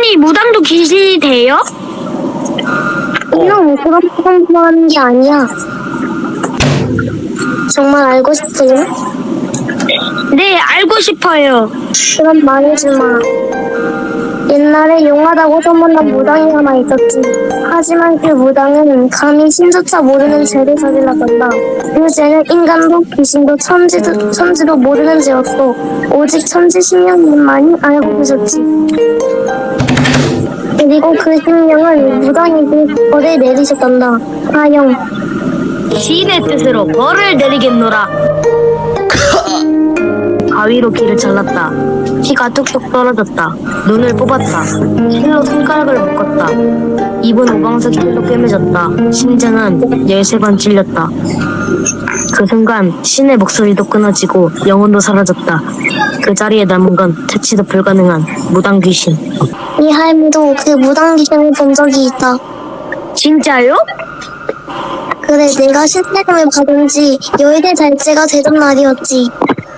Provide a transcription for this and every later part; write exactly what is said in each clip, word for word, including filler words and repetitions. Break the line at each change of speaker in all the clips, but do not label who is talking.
혹시 무당도 귀신이 돼요?
이형 그런 공부하는 게 아니야. 정말 알고 싶으냐?
네, 알고 싶어요.
그럼 말해지 마. 옛날에 용하다고 소문난 무당이 하나 있었지. 하지만 그 무당은 감히 신조차 모르는 죄를 저질렀단다. 그 죄는 인간도 귀신도 천지도, 천지도 모르는 죄였고 오직 천지신령님만이 알고 계셨지. 그리고 그 신령은 무당에게 벌을 내리셨단다. 하영,
시인의 뜻으로 벌을 내리겠노라. 가위로 귀를 잘랐다. 피가 뚝뚝 떨어졌다. 눈을 뽑았다. 실로 손가락을 묶었다. 입은 오방색 실로 꿰매졌다. 심장은 열세 번 찔렸다. 그 순간 신의 목소리도 끊어지고 영혼도 사라졌다. 그 자리에 남은 건 퇴치도 불가능한 무당 귀신.
이 할미도 그 무당 귀신을 본 적이 있다.
진짜요?
그래, 내가 신세금을 받은 지 열대 달째가 되던 날이었지.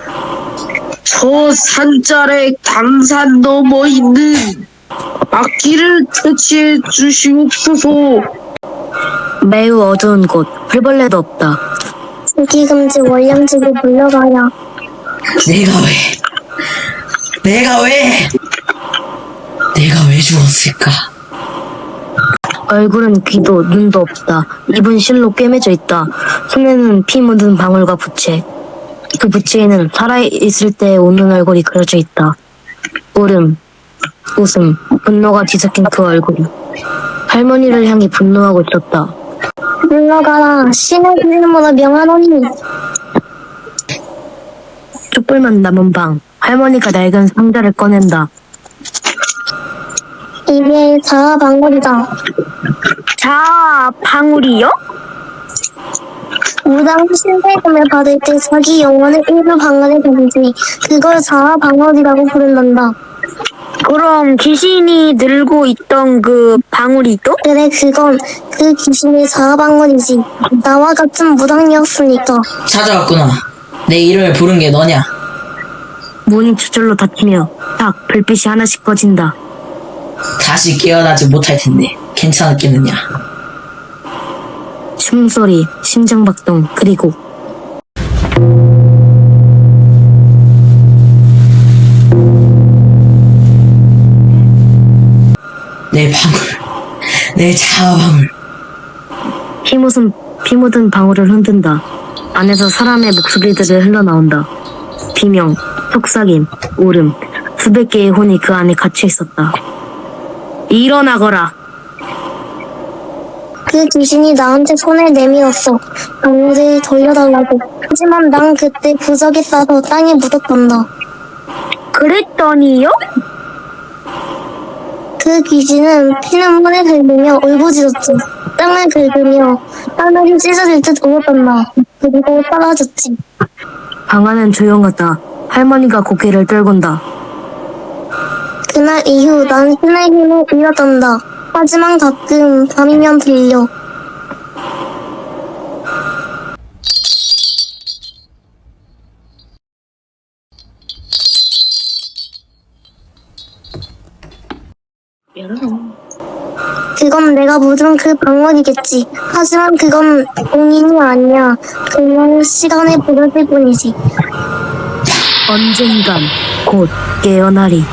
저 산자의 강산 넘어 있는 악기를 퇴치해 주시옵소서.
매우 어두운 곳, 풀벌레도 없다.
주기금지 월량지로 물러가야.
내가 왜? 내가 왜? 내가 왜 죽었을까?
얼굴은 귀도 눈도 없다. 입은 실로 꿰매져 있다. 손에는 피 묻은 방울과 부채. 그 부채에는 살아있을 때 웃는 얼굴이 그려져 있다. 울음, 웃음, 분노가 뒤섞인 그 얼굴이 할머니를 향해 분노하고 있었다.
물러가라. 신의 이름으로 명하노니.
촛불만 남은 방. 할머니가 낡은 상자를 꺼낸다.
이게 자아방울이다.
자, 방울이요?
무당 신세금을 받을 때 자기 영혼의 일부 방울에 던지 그걸 자아방울이라고 부른단다.
그럼 귀신이 들고 있던 그 방울이도?
그래, 그건 그 귀신의 자아방울이지. 나와 같은 무당이었으니까.
찾아왔구나. 내 이름을 부른 게 너냐?
문이 저절로 닫히며 딱 불빛이 하나씩 꺼진다.
다시 깨어나지 못할 텐데 괜찮았겠느냐?
숨소리, 심장박동, 그리고
내 방울, 내 자아방울.
피 묻은, 피 묻은 방울을 흔든다. 안에서 사람의 목소리들이 흘러나온다. 비명, 속삭임, 울음, 수백 개의 혼이 그 안에 갇혀 있었다. 일어나거라.
그 귀신이 나한테 손을 내밀었어. 방울을 돌려달라고. 하지만 난 그때 부적에 싸서 땅에 묻었단다.
그랬더니요?
그 귀신은 피눈물을 흘리며 울부짖었지. 땅을 긁으며 하늘이 찢어질 듯 울었단다. 그리고 사라졌지.
방 안은 조용하다. 할머니가 고개를 떨군다.
그날 이후 난 신의 힘을 잃었단다. 하지만 가끔 밤이면 들려. 그건 내가 묻은 그 방언이겠지. 하지만 그건 공인이 아니야. 그냥 시간의 버릇일 뿐이지.
언젠간 곧 깨어나리.